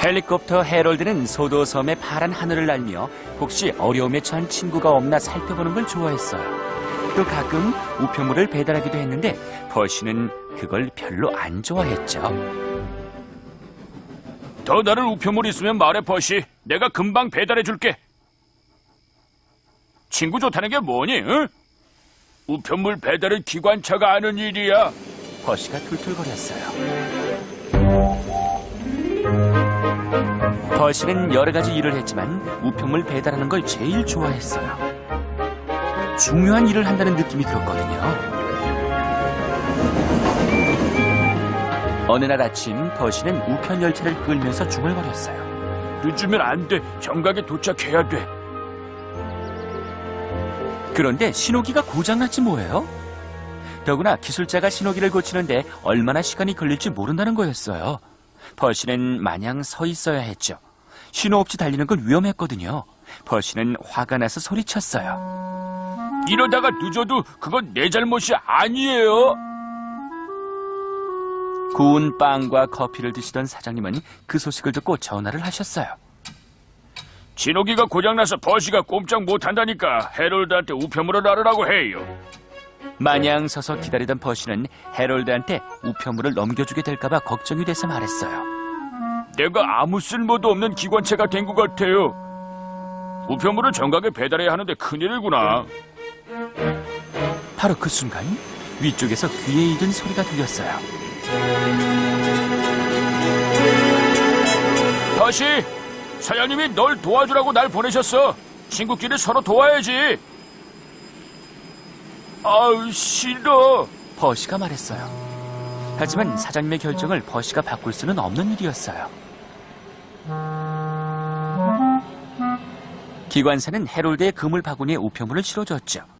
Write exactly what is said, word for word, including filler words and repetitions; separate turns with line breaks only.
헬리콥터 해럴드는 소도섬의 파란 하늘을 날며 혹시 어려움에 처한 친구가 없나 살펴보는 걸 좋아했어요. 또 가끔 우편물을 배달하기도 했는데 퍼시는 그걸 별로 안 좋아했죠.
더 다른 우편물 있으면 말해, 퍼시. 내가 금방 배달해줄게. 친구 좋다는 게 뭐니, 응? 우편물 배달은 기관차가 하는 일이야.
퍼시가 툴툴거렸어요. 퍼시는 여러 가지 일을 했지만 우편물 배달하는 걸 제일 좋아했어요. 중요한 일을 한다는 느낌이 들었거든요. 어느 날 아침 퍼시는 우편 열차를 끌면서 중얼거렸어요.
늦으면 안 돼. 정각에 도착해야 돼.
그런데 신호기가 고장났지 뭐예요? 더구나 기술자가 신호기를 고치는데 얼마나 시간이 걸릴지 모른다는 거였어요. 퍼시는 마냥 서 있어야 했죠. 신호 없이 달리는 건 위험했거든요. 퍼시는 화가 나서 소리쳤어요.
이러다가 늦어도 그건 내 잘못이 아니에요.
구운 빵과 커피를 드시던 사장님은 그 소식을 듣고 전화를 하셨어요.
신호기가 고장나서 버시가 꼼짝 못한다니까 해롤드한테 우편물을 나르라고 해요.
마냥 서서 기다리던 퍼시는 해럴드한테 우편물을 넘겨주게 될까봐 걱정이 돼서 말했어요.
내가 아무 쓸모도 없는 기관차가 된 것 같아요. 우편물을 정각에 배달해야 하는데 큰일이구나.
바로 그 순간 위쪽에서 귀에 익은 소리가 들렸어요.
버시, 사장님이 널 도와주라고 날 보내셨어. 친구끼리 서로 도와야지. 아우, 싫어.
퍼시가 말했어요. 하지만 사장님의 결정을 퍼시가 바꿀 수는 없는 일이었어요. 기관사는 해롤드의 그물 바구니에 우편물을 실어줬죠.